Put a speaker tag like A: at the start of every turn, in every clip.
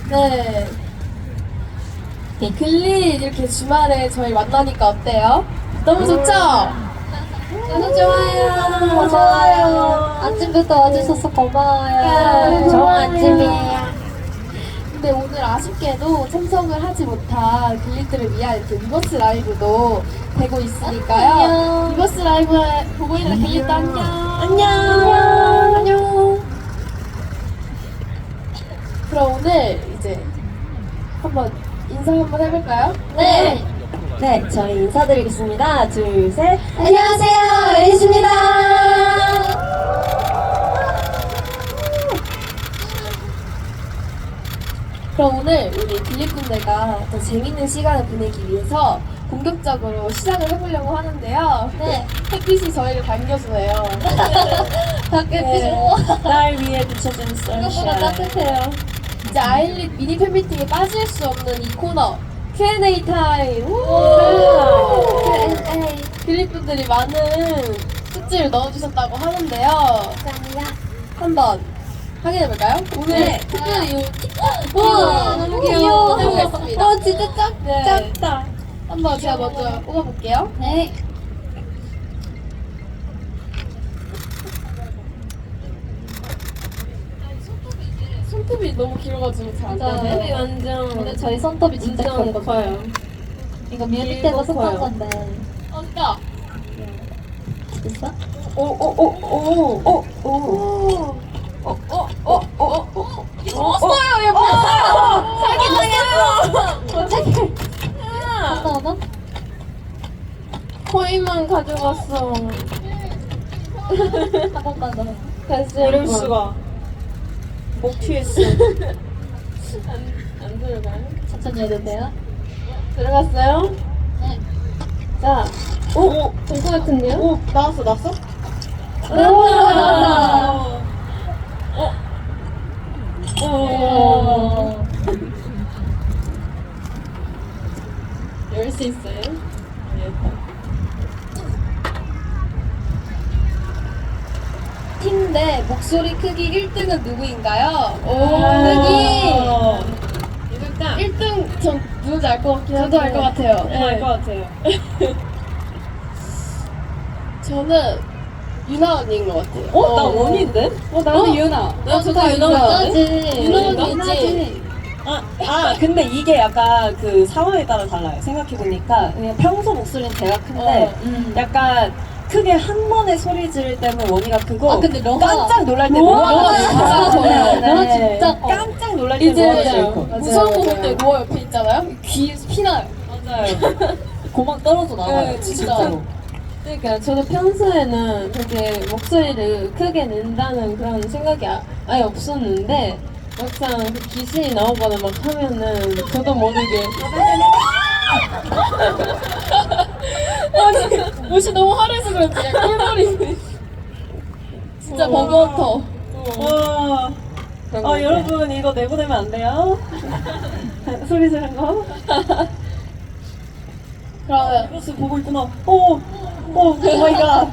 A: 네. 글리 이렇게 주말에 저희 만나니까 어때요? 너무 좋죠? 너무 좋아요.
B: 좋아요. 아침부터 와주셔서 고마워요.
A: 좋은 아침이에요. 근데 오늘 아쉽게도 참석을 하지 못한 글리들을 위한 이렇게 리버스 라이브도 되고 있으니까요.
B: 안녕.
A: 리버스 라이브 보고 있는 글리들 안녕.
B: 안녕.
A: 안녕. 그럼 오늘 이제 한번 인사 한번 해볼까요?
B: 네. 네, 저희 인사드리겠습니다. 둘, 셋.
A: 안녕하세요, 에리스입니다. 그럼 오늘 우리 글리분들과 더 재밌는 시간을 보내기 위해서 본격적으로 시작을 해보려고 하는데요.
B: 네.
A: 햇빛이 저희를 반겨주네요.
B: 햇빛이
C: 날 위해 비춰준
B: 생각보다
C: 선샤인.
B: 따뜻해요.
A: 이제 아일릿 미니 팬미팅에 빠질 수 없는 이 코너 Q&A 타임.
B: Q&A.
A: 글리분들이 많은 뜻지를 넣어주셨다고 하는데요.
B: 감사합니다.
A: 한번 확인해볼까요? 오늘
B: 네.
A: 특별히 이
B: 우와, 너무 귀여워.
A: 해보겠습니다.
B: 진짜
A: 네.
B: 작다.
A: 한번 제가 먼저 뽑아볼게요.
B: 네.
A: 손톱이 너무 길어가지고 잘 안
B: 맞아요.
A: 되네.
C: 완전
B: 근데 저희 손톱이 진짜
C: 완전
B: 커요. 이거 뮤비 때도 썼던 건데.
A: 진짜.
B: 있어?
C: 오오오오오오
A: 없어요, 얘 뭐야?
B: 어떻게? 하나?
C: 코인만 가져갔어.
B: 한 번만 더.
C: 다시 이럴 수가. 목 튀했어. 안 들어가요?
B: 천천히 해도 돼요?
A: 들어갔어요?
B: 네.
A: 자,
C: 오,
A: 될 것 같은데요?
C: 오, 나왔어.
B: 나왔다.
A: 열 수 있어요? 팀 내 목소리 크기 1등은 누구인가요? 크기!
C: 일단
A: 1등 전 누군지 알 것 같긴 한데 저도 알 것 같아요.
C: 알것 같아요.
A: 저는 유나 언니인 것 같아요.
C: 나 원인데?
A: 나도 유나.
C: 저도 유나
B: 나지.
A: 유나 언니지.
C: 근데 이게 약간 그 상황에 따라 달라요. 생각해보니까 그냥 평소 목소리는 제가 큰데 약간 크게 한 번에 소리 지를 때는 원이가 크고
B: 근데 너가-
C: 깜짝 놀랄 때
A: 로아가
C: 로아가
A: 진짜 좋아요.
B: 너가 진짜
C: 깜짝 놀랄 때
A: 이제
C: 로아가 제일 커.
A: 무서운 거 볼 때 로아 옆에 있잖아요. 귀에서 피나요.
C: 맞아요. 고막 떨어져 나와요.
A: 네, 진짜.
C: 진짜로.
D: 그러니까 저도 평소에는 그렇게 목소리를 크게 낸다는 그런 생각이 아예 없었는데 막상 그 귀신이 나오거나 막 하면은 저도 모르게
A: 아니 옷이 너무 화려해서 그런지 그냥 꿀벌이 진짜 버거워터.
C: 와.
D: 그런 거 같아요.
C: 여러분 이거 내보내면 안 돼요? 소리 지른 거?
A: 그러면
C: 플러스 보고 있구나. 오 마이 갓.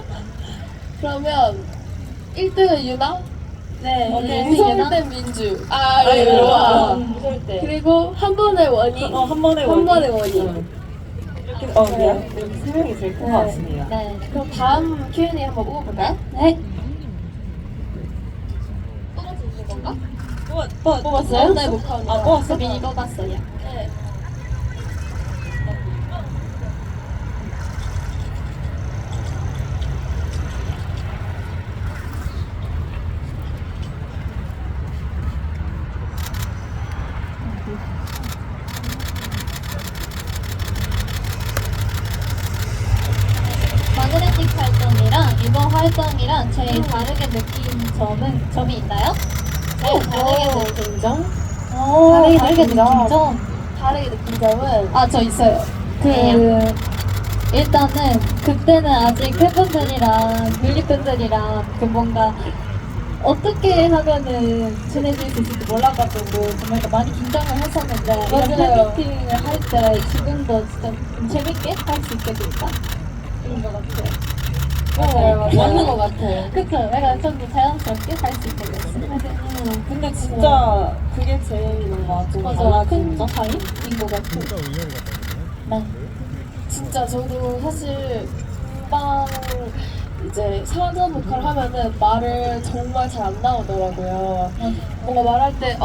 A: 그러면 1등은 유나,
C: 네.
A: 무서울 땐 민주,
C: 로아.
A: 로아.
C: 무서울 때.
A: 그리고 한 번의 원이,
C: 한 번에
A: 한 번의 원이.
C: 이렇게 이렇게 세 명이 제일 큰 것 같습니다.
B: 네.
A: 그럼 다음 Q&A 한번 뽑아볼까요?
B: 네.
A: 뽑아주는 건가?
C: 뽑았어요?
A: 네, 목화 언니.
C: 뽑았어?
B: 미니 뽑았어요.
A: 네.
B: 마그네틱 활동이랑 이번 활동이랑 제일 다르게 느낀 점이 있나요? 제일 다르게 느낀 점? 다르게 느낀 점?
A: 다르게 느낀 점은
B: 저 있어요. 일단은 그때는 아직 팬분들이랑 뮤리팬들이랑 뭔가 어떻게 하면은 친해질 수 있을지 몰라가지고 정말 많이 긴장을 했었는데 이런
A: 맞아요.
B: 팬미팅을 할 때 지금도 진짜 좀 재밌게 할 수 있게 됐다 이런 것 같아요.
D: 맞는 것 같아.
B: 그쵸? 약간 좀 더 자연스럽게 할 수 있게 됐어요.
C: 근데 진짜 그게 제일 뭔가 좀 달라진 차이인 것 같아.
B: 네.
A: 진짜 저도 사실 금방 이제 사전 보컬 하면은 말을 정말 잘 안 나오더라고요. 뭔가 말할 때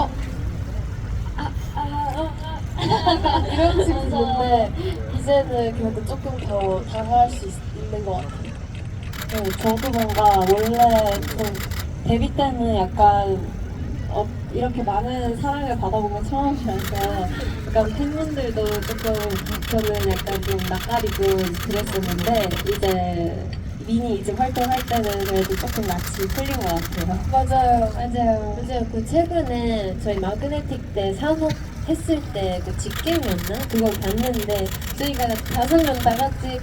A: 이런 식으로 있는데 이제는 그래도 조금 더 다가갈 수 있는 것 같아요.
C: 네, 저도 뭔가 원래 좀 데뷔 때는 약간 이렇게 많은 사랑을 받아본 건 처음이라서 약간 팬분들도 조금 저는 약간 좀 낯가리고 그랬었는데 이제 미니 이제 활동할 때는 그래도 조금 낯이 풀린 것 같아요.
A: 맞아요.
D: 그 최근에 저희 마그네틱 때 산업 했을 때 그 직캠이었나? 그걸 봤는데 저희가 5명 다 같이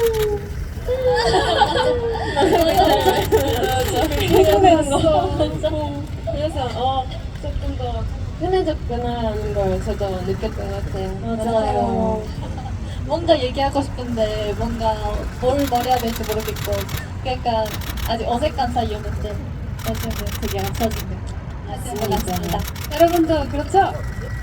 D: 그래서 조금 더 편해졌구나라는 걸 저도 느꼈던 것 같아요.
B: 맞아요. 뭔가 얘기하고 싶은데 뭔가 뭘 말해야 될지 모르겠고 그러니까 아직 어색한 사이였는데 요즘은 되게 앞서진 느낌 것 같습니다. 여러분도 그렇죠?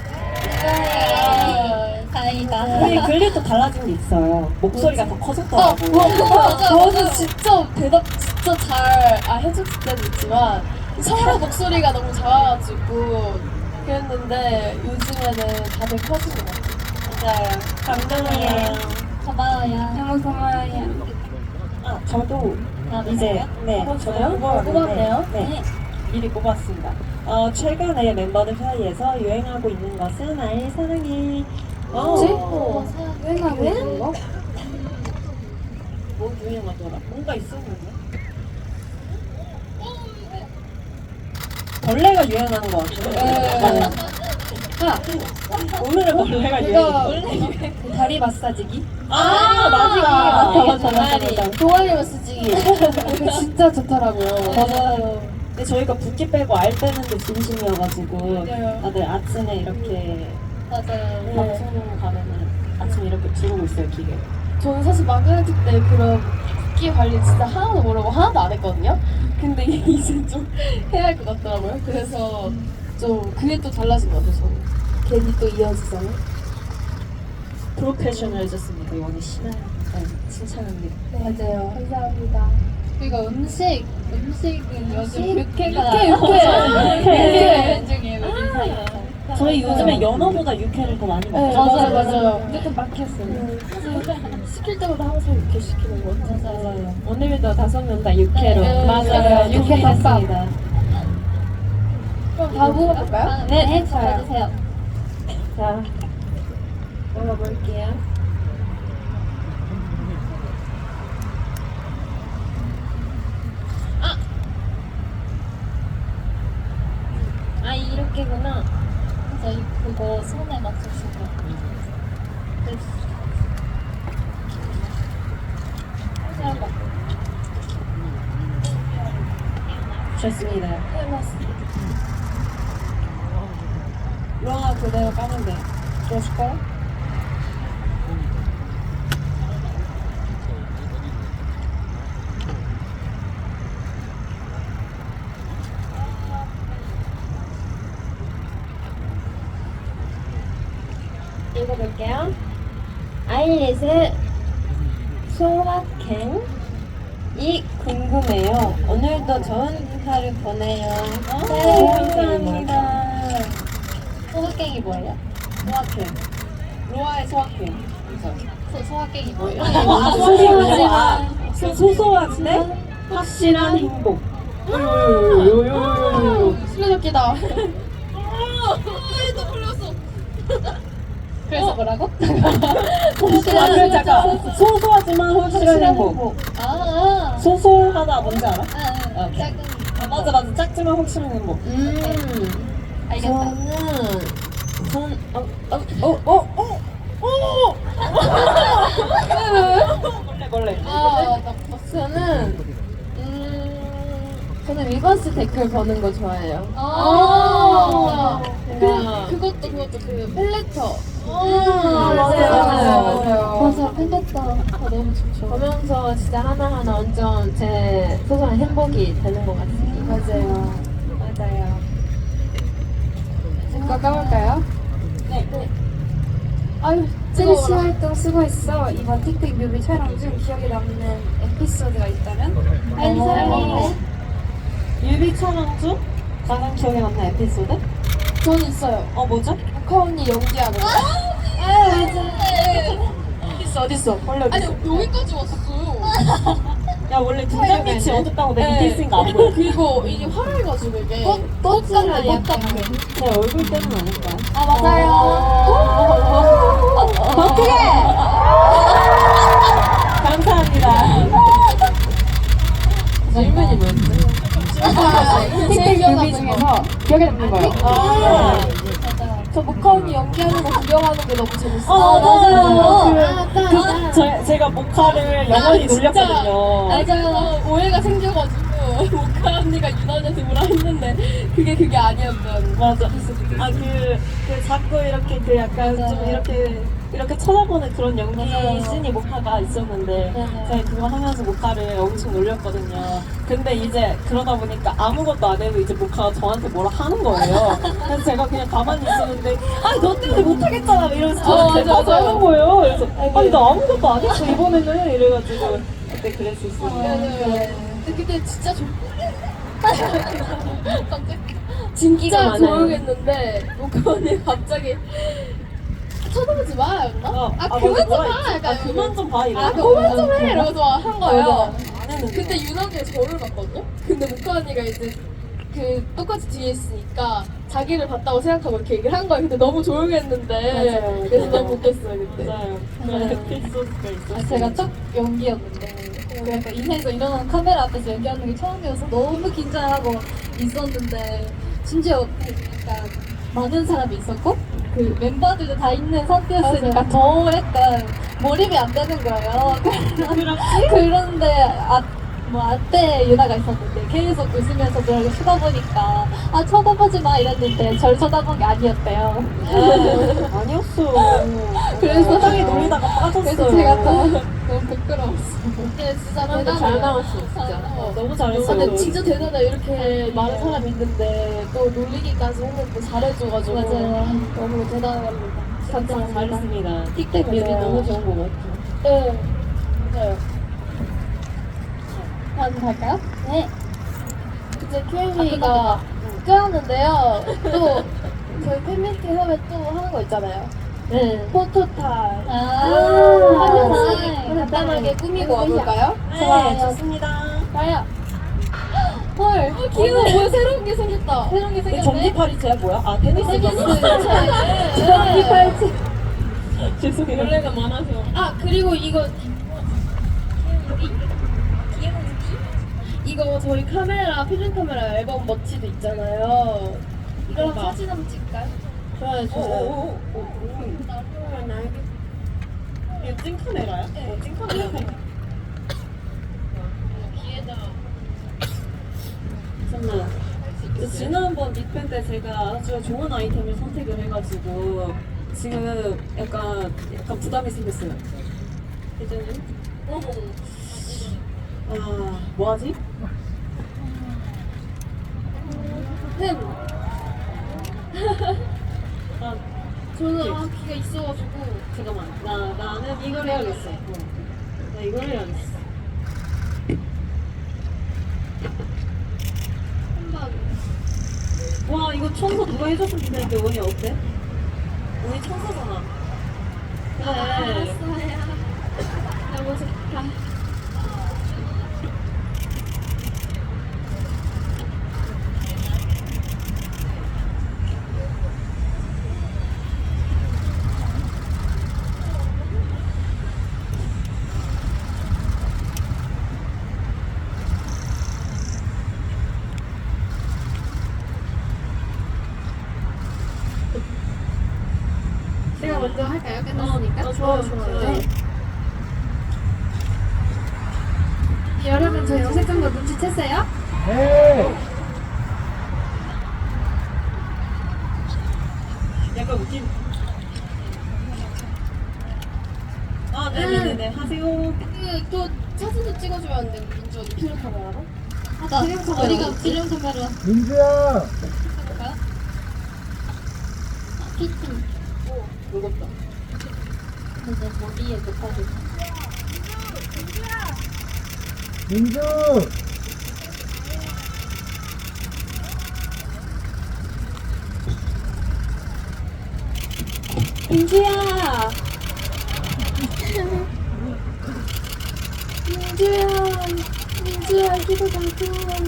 B: 다행이다.
C: 우리 글리도 달라진 게 있어요. 목소리가 더 커졌더라고요.
A: 저도 진짜 대답 진짜 잘 해줬을 때도 있지만 서로 목소리가 너무 작아가지고 그랬는데 요즘에는 다들 커지는 것 같아요.
C: 맞아요. 감동이에요.
B: 고마워요.
A: 너무 고마워요.
C: 아, 저도 이제 저도
A: 뽑았네요?
C: 뽑았는데 네, 미리 뽑았습니다. 최근에 멤버들 사이에서 유행하고 있는 것은 아이 사랑해.
A: 유행하고 있는 거?
C: 뭐 유행하더라? 뭔가 있었는데? 벌레가 유행하는 것 같아요. 오늘은 벌레가 유행.
A: 다리 마사지기?
C: 맞아.
A: 동아리 마사지기. 그거 진짜 좋더라고요.
C: 맞아요. 근데 저희가 붓기 빼고 알 빼는 데 진심이어가지고
A: 맞아요.
C: 다들 아침에 이렇게
B: 맞아요.
C: 방송 가면은 아침에 이렇게 두르고 있어요, 기계.
A: 저는 사실 마그네틱 때 그런 붓기 관리 진짜 하나도 모르고 하나도 안 했거든요. 근데 이제 좀 해야 할 것 같더라고요. 그래서 좀 그게 또 달라진 것 같아요. 저는. 괜히 또 이어지잖아요.
C: 프로페셔널해졌습니다, 이원희 씨. 네, 칭찬합니다.
A: 맞아요. 감사합니다.
B: 그리고 음식은 요즘 육회가
A: 육회.
B: 유행 중이에요 우리 사이에서.
C: 저희 요즘에 연어보다 육회를 더 많이
A: 네,
C: 먹죠.
A: 맞아요.
C: 무조건 막혔어요.
A: 시킬 때마다 항상 이렇게 시키는 거 같아요.
C: 맞아요.
D: 오늘도 5명 다 육회로
A: 네,
C: 맞아요.
A: 육회
D: 했습니다.
A: 그럼 다 먹어볼까요?
B: 네, 잘해주세요.
D: 자, 먹어볼게요. 이렇게구나.
B: 저희 그거 손에 맞춰주고.
C: 좋습니다. 로아 그대로 까면 돼. 들어줄까요?
D: 읽어볼게요. 아일릿의 소확행이 궁금해요. 오늘도 좋은 하루 보내요.
C: 네,
D: 감사합니다.
B: 소확행이 뭐예요?
C: 소확행. 로아의 소확행.
B: 소확행이 뭐예요?
C: 소소한데 확실한 행복.
A: 술래잡기다.
B: 그래서 뭐라고?
C: 잠깐. 소소하지만 확실한 행복. 소소하다 뭔지 알아?
B: 작은
C: 맞아. 작지만 확실한 행복.
B: 알겠다.
C: 벌레.
D: 저는 위버스 댓글 보는 거 좋아해요.
B: 아,
A: 그것도 그 펠레터
B: 맞아, 팬됐다. 아, 너무 좋죠.
D: 보면서 진짜 하나하나 완전 제 소소한 행복이 되는 것 같습니다.
A: 맞아요. 제거 까볼까요?
C: 네.
A: 아유,
E: 첼시
A: 뜨거워라.
E: 활동 수고했어. 이번 틱틱 뮤비 촬영 중 기억에 남는 에피소드가 있다면?
B: 빨리.
C: 뮤비 촬영 중 가장 기억에 남는 에피소드?
A: 저는 있어요.
C: 뭐죠?
A: 모카 언니 연기하는 거. 어딨어?
C: 원래
A: 아니, 여기까지 왔어.
C: 야 원래 등장 빛이 어둡다고 내 밑에 있으니까 안 보여.
A: 그리고 이게 화려해가지고 이게
B: 꽃 같아, 꽃 같아.
C: 제 얼굴 때문 아닐까요?
B: 아, 맞아요.
C: 더 크게! 감사합니다.
A: 질문이 뭐였지? 틱틱 뮤비 중에서 기억에 남는 거예요. 저 모카 언니 연기하는 거 구경하는 게 너무 재밌어요.
B: 맞아요.
C: 제가 모카를 영원히 놀렸거든요.
A: 맞아요. 오해가 생겨가지고 모카 언니가 유난한테 뭐라 했는데 그게 아니었던.
C: 맞아. 자꾸 이렇게 약간 좀 이렇게 쳐다보는 그런 연기
B: 맞아요.
C: 씬이 모카가 있었는데
B: 맞아요.
C: 제가 그거 하면서 모카를 엄청 놀렸거든요. 근데 이제 그러다 보니까 아무것도 안 해도 이제 모카가 저한테 뭐라 하는 거예요. 그래서 제가 그냥 가만히 있었는데 너 때문에 못하겠잖아 이러면서 저한테
A: 맞아, 맞아.
C: 하는 거예요. 그래서 나 아무것도 안 했어 이번에는 이래가지고 그때 그랬었어요.
A: 근데 그때 진짜
D: 진기가
A: 진짜
D: 많아요.
A: 조용했는데 모카 언니 갑자기 쳐다보지 마 였나? 그만 좀 봐! 약간
C: 그만 좀 봐 이러고.
A: 그만 좀 해! 이러면서 한 거예요.
C: 안 했는데.
A: 근데 유난하게 저를 봤거든요? 근데 모카 언니가 이제 똑같이 뒤에 있으니까 자기를 봤다고 생각하고 이렇게 얘기를 한 거예요. 근데 너무 조용했는데
C: 맞아요.
A: 그래서 너무 웃겼어요 그때.
C: 맞아요. 그런 에피소드가 있었어요.
B: 제가 첫 연기였는데 그 약간 인생에서 일어나는 카메라 앞에서 연기하는 게 처음이어서 너무 긴장하고 있었는데 심지어 약간 많은 사람이 있었고 그 멤버들도 다 있는 상태였으니까 더 약간 몰입이 안 되는 거예요. 그런데 앞에 유나가 있었는데 계속 웃으면서 저를 쳐다보니까 쳐다보지 마 이랬는데 절 쳐다본 게 아니었대요.
C: 아니었어.
B: 그래서
C: 적당히 놀리다가 빠졌어요.
B: 그래서 제가 너무 부끄러웠어.
A: 근데 진짜
D: 근데
A: 대단해요.
D: 잘 나왔어 진짜.
C: 너무 잘했어요.
A: 근데 진짜 대단해. 이렇게 많은 사람이 있는데 또 놀리기까지 했는데 잘해줘가지고
B: 맞아요.
A: 너무 대단합니다.
C: 진짜 잘했습니다.
D: 틱택 뮤비 너무 좋은 것 같아요.
A: 네, 맞아요.
B: 다음 갈까요? 네.
A: 이제 Q&A가 끝났는데요. 또 저희 팬미팅 하면 또 하는 거 있잖아요.
D: 네.
A: 포토타임.
B: 포토타임.
A: 간단하게 꾸미고 와볼까요?
C: 네, 좋습니다.
A: 가요. 헐, 귀여워. 뭐야, 새로운 게 생겼다.
B: 새로운 게 생겼네.
C: 전기팔이체야 뭐야? 테니스
A: 전기팔찌.
C: 죄송해요.
D: 원래가 많아서.
A: 그리고 이거 저희 카메라, 필름 카메라 앨범 머치도 있잖아요. 이거랑 사진 한번 찍을까요?
D: 좋아요, 좋아요.
C: 이거 찐카메라야? 찐카메라네. 정말 지난번 빅팬 때 제가 아주 좋은 아이템을 선택을 해가지고 지금 약간 부담이 생겼어요. 이제는 뭐하지?
A: 펜. 저는
C: 오케이.
A: 기가 있어가지고.
C: 잠깐만 나는 이걸 해야겠어. 나 이걸 해야겠어.
A: 한번.
C: 와 이거 청소 누가 해줬으면 좋겠는데 원이 어때? 원이 청소잖아. 그래.
A: 알았어요. 너무 좋다. 제가 먼저 할까요? 끝났으니까?
C: 좋아.
A: 네. 여러분 저희 어색한 거 눈치챘어요?
C: 약간 웃긴. 네네네 하세요.
A: 그또 사진도 찍어주면 안 돼? 민주 언니 필름 카메라로?
B: 나 어디가 필름 카메라
F: 민주야.
B: 볼까요? 키티.
A: 무겁다.
B: 근데 머리에 높아져.
F: 민주.
C: 민주야.
A: 민주야 기도 봐줘.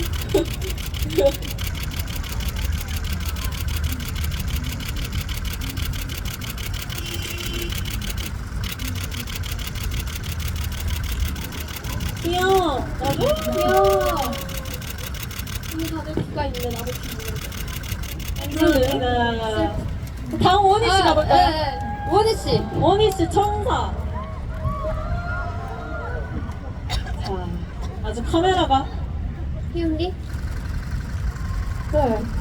C: 귀여워.
A: 귀여워. 우리 다들 귀가 있네. 나도 귀 있는데.
C: 감사합니다. 다음 원희 씨 가볼까요?
A: 네.
C: 원희 씨. 원희 씨 청사. 자, 아주 카메라가
A: 희은이?
C: 네.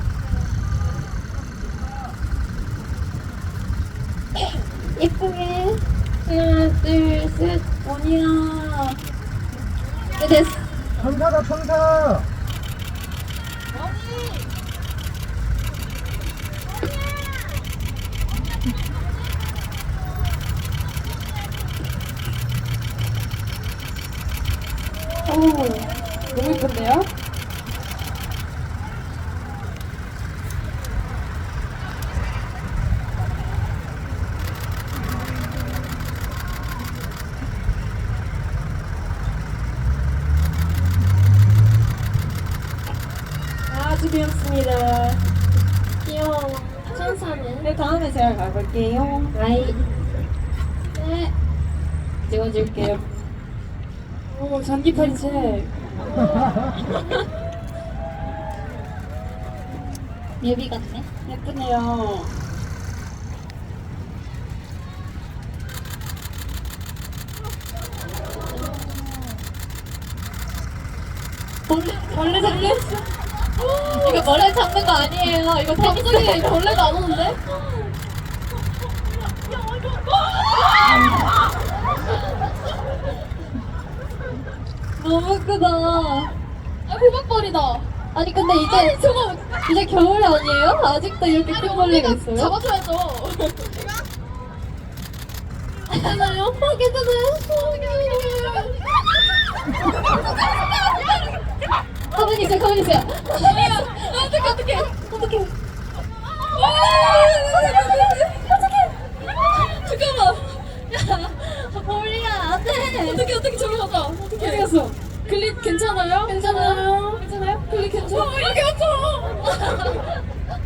A: 예쁘게. 하나, 둘, 셋.
C: 원희야.
A: 네, 됐어.
F: 천사다 천사.
A: 너무 예쁜데요?
C: 아주 귀엽습니다.
A: 귀여워. 천사는?
C: 네, 다음에 제가 가볼게요.
A: 아이.
C: 네. 찍어줄게요. 오, 전기팔이 책.
B: 뮤비 같네.
C: 예쁘네요.
B: 벌레 잡겠어. 이거 벌레 잡는 거 아니에요. 이거
A: 갑자기 벌레가 안 오는데?
B: 너무 크다.
A: 아, 호박벌이다.
B: 아니 근데 이제
A: 저거
B: 이제 겨울 아니에요? 아직도 이렇게 큰 벌레가 있어요?
A: 잡아줘야죠. 괜찮아요? 괜찮아요?
B: 가만히 있어요, 가만히 있어요.
A: 어떡해. 잠깐만.
B: 벌이야, 안 돼.
A: 어떻게 저기 갔다. 어떻게 갔어? 글릿 괜찮아요? 괜찮아요? 글릿 괜찮아? 이렇게 왔죠?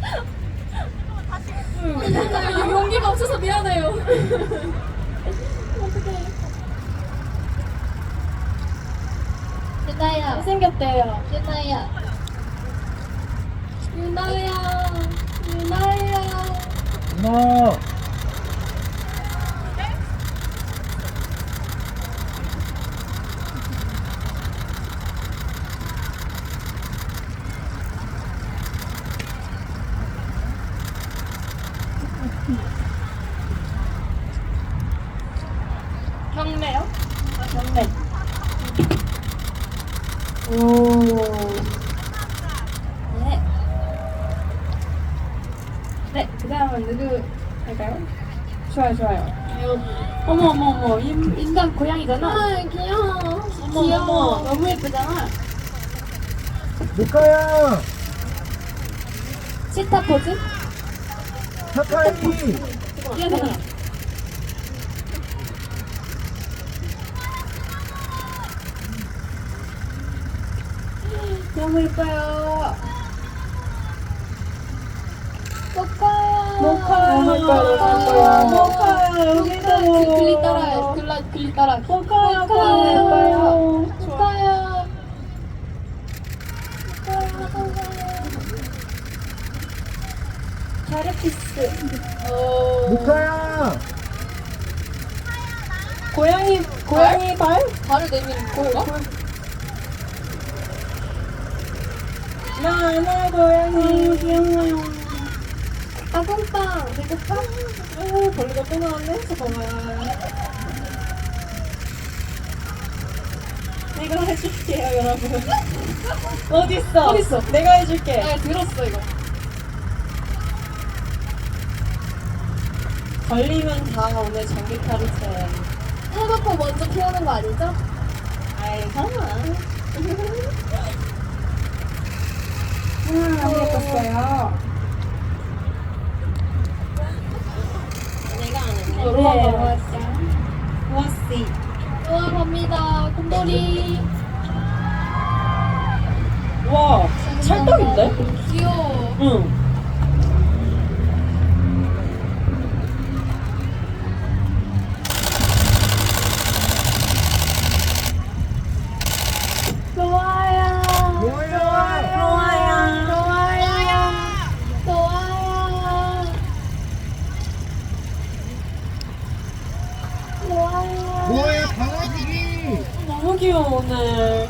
A: 용기가 없어서 미안해요.
B: 유나야,
C: 생겼대요.
B: 유나야.
A: 유나야.
F: 어머.
A: 경매요?
C: 아, 경매. 오.
B: 네.
C: 네, 그 다음은 누구 할까요? 좋아요. 어머. 인간 고양이잖아.
A: 아, 귀여워.
C: 어머.
A: 너무 예쁘잖아.
F: 루카야.
C: 치타 포즈?
F: 사카이.
C: 미안해. 너무 예뻐요. 모카요. 여기도.
A: 글리 따라해. 글리 따라.
C: 모카요.
A: 예뻐요.
C: 축하요. 자르피스.
F: 루카야.
C: 고양이 발?
A: 발을 내미는 거야?
C: 나나 고양이 귀여워요.
A: 아궁빵. 배고파?
C: 벌레가 또 나왔네. 잠깐만. 언니가 해줄게요, 여러분. 어딨어?
A: 어딨어?
C: 내가 해줄게.
A: 내가 들었어 이거.
C: 걸리면 다 오늘 전기 타르트.
A: 해놓고 먼저 피하는 거 아니죠?
C: 아이, 설마.
E: 안 예뻤어요.
C: 내가 안 했네.
A: 네.
C: 고맙지.
A: 우와 갑니다. 곰돌이.
C: 와, 찰떡인데?
A: 귀여워.
C: 응.
A: 좋아요.
F: 뭐야?
A: 좋아요. 좋아요.
F: 뭐야, 강아지기?
C: 너무 귀여워, 오늘.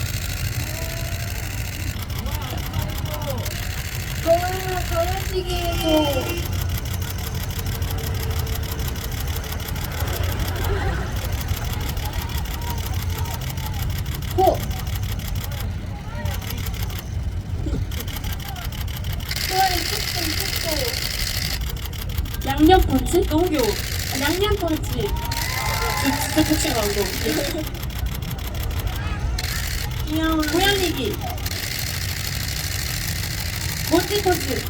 A: 좋아요. 강아지기 해줘. 호. 좋아요. 축구.
C: 양념 펀치? 너무 귀여워. 양념 펀치. 진짜 펀치가 나온다. 귀여워. 고양이기. 멋지 펀치.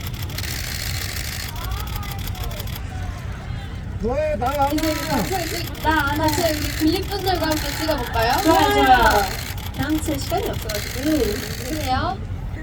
F: 뭐야, 나 아니야.
A: 나 같이 우리 글립분들과 함께 찍어볼까요?
C: 좋아요. 다음 주에 시간이 없어가지고.
A: 그래요?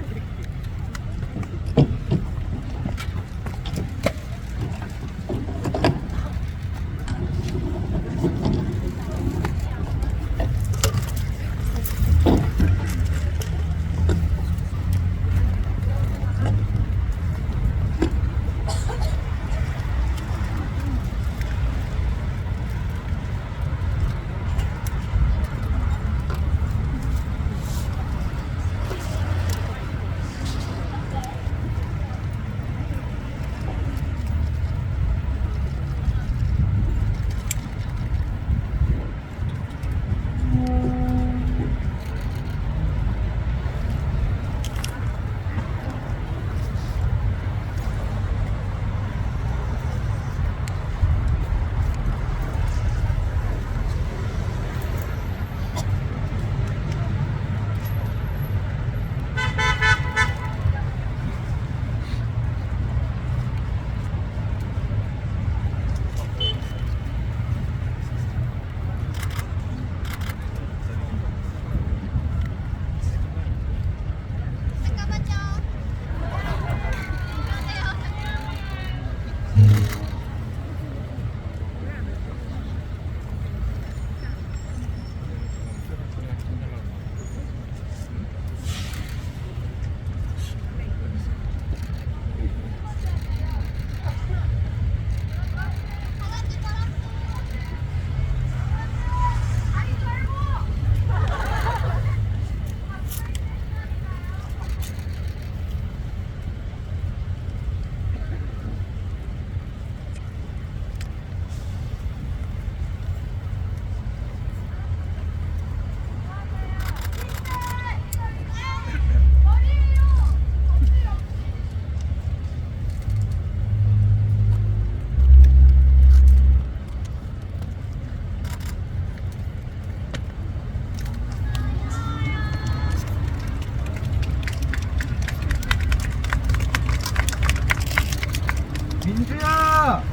F: 민주야!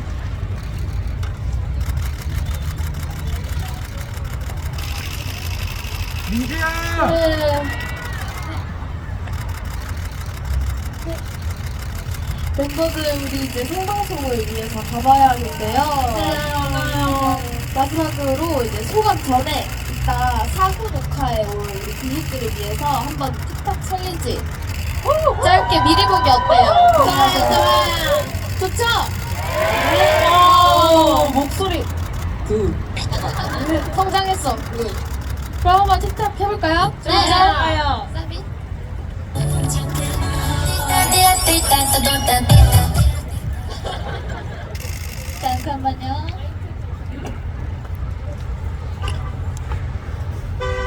F: 민주야!
A: 멤버들 우리 이제 생방송을 위해서 가봐야 하는데요. 마지막으로 이제 소감 전에 이따 사후 녹화에 올 우리 뮤직들을 위해서 한번 틱톡 챌린지 짧게 미리 보기 어때요? 좋아요. 좋죠?
C: 목소리.
A: 성장했어. 그럼 한번 틱톡 해볼까요?
C: 좋아요.
A: 사비?
B: 잠깐만요.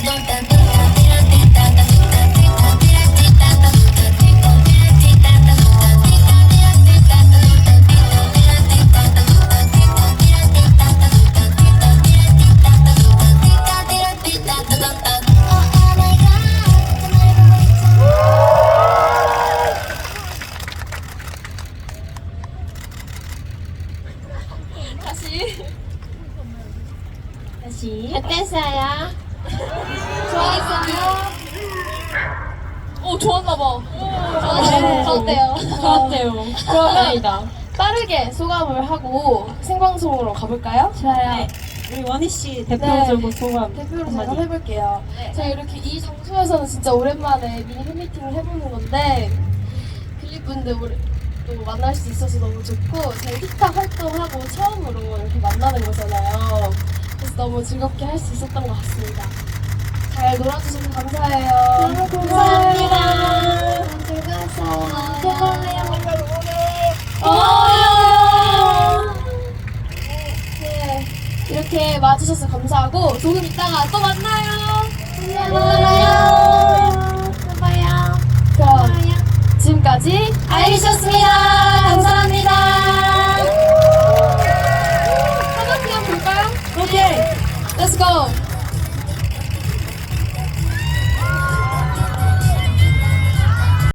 B: 다시.
D: 어땠어요?
B: 좋았어요.
A: 오 좋았나봐.
B: 좋았대요.
D: 좋았대요. 다행이다.
A: 빠르게 소감을 하고 생방송으로 가볼까요?
C: 좋아요. 우리 원희 씨 대표적으로 소감
A: 대표로 제가
C: 한마디.
A: 해볼게요. 제가 이렇게 이 장소에서는 진짜 오랜만에 미니 팬미팅을 해보는 건데 글립분들 또 만날 수 있어서 너무 좋고 저희 힙합 활동하고 처음으로 이렇게 만나는 거잖아요. 그래서 너무 즐겁게 할 수 있었던 것 같습니다. 잘 놀아주셔서 감사해요.
D: 감사합니다.
A: 즐거웠어요. 네, 이렇게 와주셔서 감사하고 조금 이따가 또 만나요. 만나요. 그럼 지금까지 아이리셨습니다. 감사합니다. 한번 그냥 볼까요?
C: 오케이.
A: Let's go.